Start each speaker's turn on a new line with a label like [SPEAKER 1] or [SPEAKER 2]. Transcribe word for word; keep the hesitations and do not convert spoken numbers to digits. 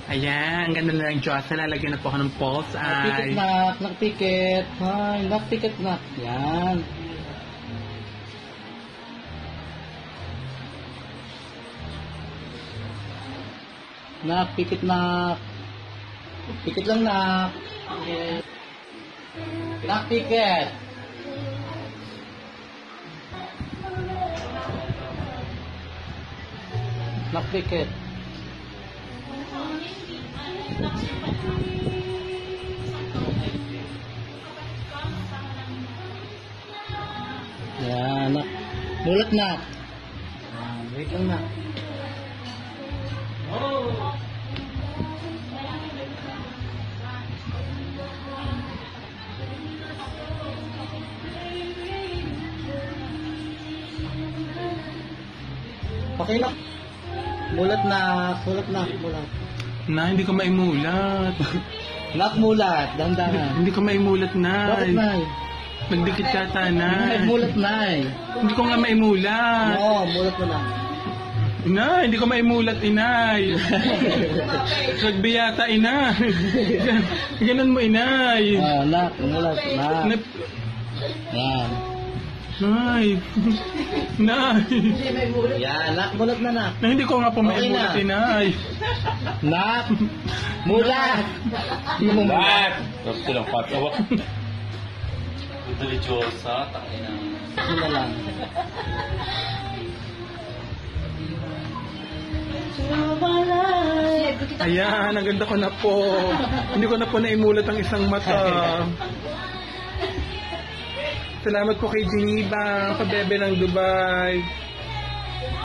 [SPEAKER 1] Ayan, ang ganda na ng Diyos. Lalagyan na po ako ng pulse
[SPEAKER 2] Nakpikit
[SPEAKER 1] eye.
[SPEAKER 2] na, nakpikit. Ay, nakpikit na. Yan. Nakpikit na. Pikit lang na. Nakpikit. Nakpikit. Yan, nak. Mulat na. Yan, wait lang na. Okay na. Mulat na, mulat na, mulat.
[SPEAKER 1] Na, hindi ko maimulat.
[SPEAKER 2] Nak mulat, dandanan.
[SPEAKER 1] Hindi ko maimulat,
[SPEAKER 2] Bakit
[SPEAKER 1] Nay.
[SPEAKER 2] nay?
[SPEAKER 1] Nagdikit yata,
[SPEAKER 2] Nay,
[SPEAKER 1] Nay.
[SPEAKER 2] mulat nay.
[SPEAKER 1] Hindi ko nga maimulat.
[SPEAKER 2] Oo, mulat mo na.
[SPEAKER 1] Inay, hindi ko maimulat, Inay. Rugby yata, Inay. Ganun mo, Inay.
[SPEAKER 2] Ah, nak, mulat, nak.
[SPEAKER 1] Nap-
[SPEAKER 2] Yan.
[SPEAKER 1] Nay. Nay.
[SPEAKER 2] Yan, nak, mulat na nak.
[SPEAKER 1] Na, hindi ko nga po
[SPEAKER 2] Okay
[SPEAKER 1] maimulat,
[SPEAKER 2] na.
[SPEAKER 1] Inay.
[SPEAKER 2] Nak, mulat. Hindi mo mulat.
[SPEAKER 3] Gusto lang patawa. Deliciosa, tangina.
[SPEAKER 2] Ano na lang.
[SPEAKER 1] Ayan, ang ganda ko na po. Hindi ko na po naimulat ang isang mata. Salamat po kay Geneva, kabebe ng Dubai.